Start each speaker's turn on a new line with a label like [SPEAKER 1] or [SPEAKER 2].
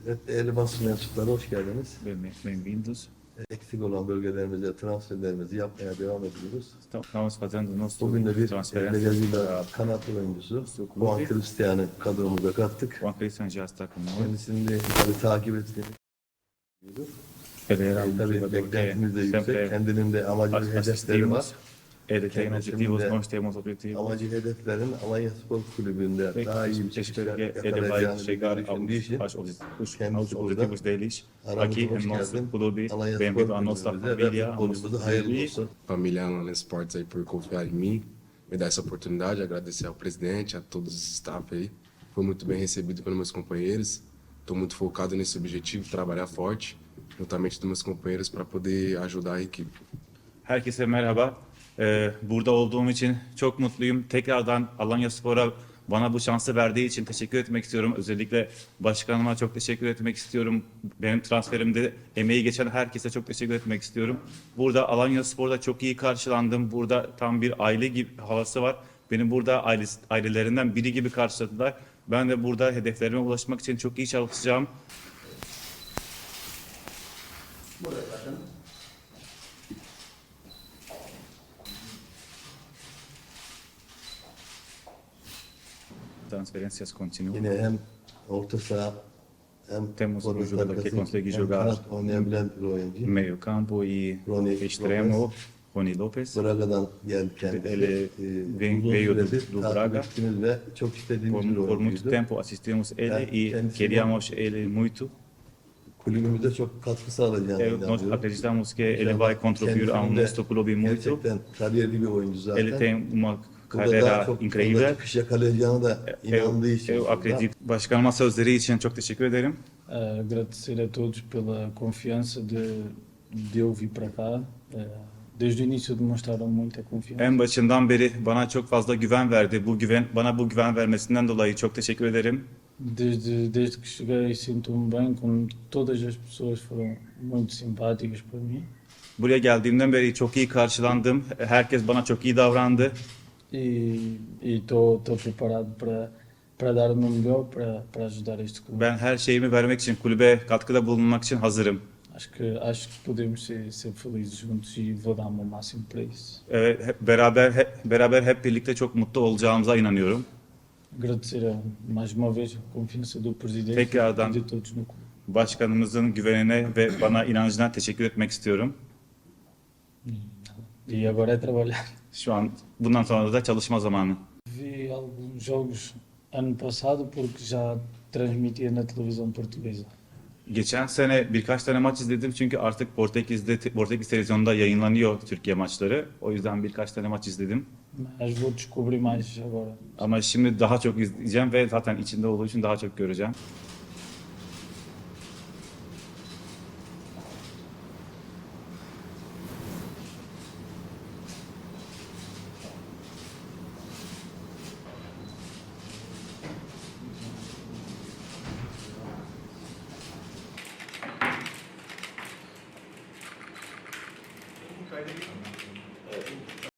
[SPEAKER 1] Evet, değerli basın mensupları hoş geldiniz.
[SPEAKER 2] Bem-vindos.
[SPEAKER 1] Eksik olan bölgelerimize transferlerimizi yapmaya devam ediyoruz.
[SPEAKER 2] Estamos fazendo nosso
[SPEAKER 1] Bugün de bir
[SPEAKER 2] transferência
[SPEAKER 1] Brezilya'da
[SPEAKER 2] para
[SPEAKER 1] kanat oyuncusu
[SPEAKER 2] Su Clube.
[SPEAKER 1] Juan Cristiano'yu kadromuza kattık.
[SPEAKER 2] Juan Cristian já está conosco.
[SPEAKER 1] Kendisini de tabii takip ettiğini
[SPEAKER 2] Ele era um
[SPEAKER 1] tabii
[SPEAKER 2] jogador que
[SPEAKER 1] beklentimiz de yüksek.
[SPEAKER 2] sempre
[SPEAKER 1] Kendinin de amacı ve hedefleri var.
[SPEAKER 2] assistimos. Ele tem
[SPEAKER 1] Kendisinin
[SPEAKER 2] objetivos,
[SPEAKER 1] de
[SPEAKER 2] nós temos objetivos.
[SPEAKER 1] amacı hedeflerin Alanya Spor Kulübü'nde daha iyi bir şekilde
[SPEAKER 2] Espero que ele vai
[SPEAKER 1] yakalayacağını
[SPEAKER 2] chegar
[SPEAKER 1] düşündüğü için
[SPEAKER 2] aos
[SPEAKER 1] kendisi burada.
[SPEAKER 2] objetivos deles
[SPEAKER 1] aramıza
[SPEAKER 2] aqui
[SPEAKER 1] hoş
[SPEAKER 2] em nosso
[SPEAKER 1] geldin.
[SPEAKER 2] clube.
[SPEAKER 1] Alanya
[SPEAKER 2] Bem-vindo
[SPEAKER 1] Spor
[SPEAKER 2] à nossa
[SPEAKER 1] Kulübümüze ve
[SPEAKER 2] família, ao nosso
[SPEAKER 1] futbolumuza hayırlı
[SPEAKER 2] clube.
[SPEAKER 1] olsun.
[SPEAKER 3] Família Allianz Sports aí por confiar em mim, me dar essa oportunidade, agradecer ao presidente, a todos os staff aí. Foi muito bem recebido pelos meus companheiros. Estou muito focado nesse objetivo, trabalhar forte, juntamente com meus companheiros para poder ajudar a equipe.
[SPEAKER 2] Herkese merhaba. Burada olduğum için çok mutluyum. Tekrardan Alanyaspor'a bana bu şansı verdiği için teşekkür etmek istiyorum. Özellikle başkanıma çok teşekkür etmek istiyorum. Benim transferimde emeği geçen herkese çok teşekkür etmek istiyorum. Burada Alanyaspor'da çok iyi karşılandım. Burada tam bir aile gibi havası var. Beni burada ailelerinden biri gibi karşıladılar. Ben de burada hedeflerime ulaşmak için çok iyi çalışacağım. Transferências continuam.
[SPEAKER 1] Yine hem orta saha hem
[SPEAKER 2] Temos um
[SPEAKER 1] forvet
[SPEAKER 2] jogador que
[SPEAKER 1] arkası,
[SPEAKER 2] consegue
[SPEAKER 1] hem
[SPEAKER 2] jogar
[SPEAKER 1] kanat oynayabilen bir oyuncu.
[SPEAKER 2] Meio campo e
[SPEAKER 1] Rony
[SPEAKER 2] extremo, Rony Lopes.
[SPEAKER 1] Braga'dan geldi kendisi.
[SPEAKER 2] Ele
[SPEAKER 1] Uzun
[SPEAKER 2] veio
[SPEAKER 1] süredir
[SPEAKER 2] do
[SPEAKER 1] takip
[SPEAKER 2] Braga.
[SPEAKER 1] ettiğimiz ve çok istediğimiz bir
[SPEAKER 2] Por muito
[SPEAKER 1] oyuncuydu.
[SPEAKER 2] tempo assistimos ele
[SPEAKER 1] Yani
[SPEAKER 2] e
[SPEAKER 1] kendisine-
[SPEAKER 2] queríamos ele muito.
[SPEAKER 1] Kulübümüze çok katkı sağlayacağını
[SPEAKER 2] Nós
[SPEAKER 1] inanıyorum.
[SPEAKER 2] acreditamos que ele vai contribuir ao
[SPEAKER 1] Kendisinin de
[SPEAKER 2] nosso clube muito.
[SPEAKER 1] Gerçekten kariyerli bir oyuncu zaten.
[SPEAKER 2] Ele tem uma
[SPEAKER 1] Burada daha
[SPEAKER 2] carreira
[SPEAKER 1] çok
[SPEAKER 2] incrível.
[SPEAKER 1] çıkış yakalayacağını da inandığı için.
[SPEAKER 2] Eu acredito. Başkanıma sözleri için çok teşekkür ederim.
[SPEAKER 4] Agradecer a todos pela confiança de eu vir para cá. Desde o início demonstraram muita confiança.
[SPEAKER 2] En başından beri bana çok fazla güven verdi. Bana bu güven vermesinden dolayı çok teşekkür ederim.
[SPEAKER 4] Desde que cheguei sinto-me bem, como todas as pessoas foram muito simpáticas para mim.
[SPEAKER 2] Buraya geldiğimden beri çok iyi karşılandım. Herkes bana çok iyi davrandı.
[SPEAKER 4] E estou preparado para dar o meu melhor para ajudar este clube.
[SPEAKER 2] Ben her şeyimi vermek için, kulübe katkıda bulunmak için hazırım.
[SPEAKER 4] Acho que podemos ser felizes juntos e vou dar o meu máximo para isso.
[SPEAKER 2] Evet, beraber hep birlikte çok mutlu olacağımıza inanıyorum.
[SPEAKER 4] Agradecer mais uma vez a confiança do presidente
[SPEAKER 2] Tekrardan
[SPEAKER 4] e de todos no clube.
[SPEAKER 2] başkanımızın güvenine ve bana inancına teşekkür etmek istiyorum.
[SPEAKER 4] E agora é trabalhar.
[SPEAKER 2] Bundan sonra da çalışma zamanı.
[SPEAKER 4] Vi alguns jogos ano passado porque já transmitia na televisão portuguesa.
[SPEAKER 2] Geçen sene birkaç tane maç izledim çünkü artık Portekiz televizyonunda yayınlanıyor Türkiye maçları. O yüzden birkaç tane maç izledim.
[SPEAKER 4] Mas vou descobrir mais agora.
[SPEAKER 2] Ama şimdi daha çok izleyeceğim ve zaten içinde olduğu için daha çok göreceğim.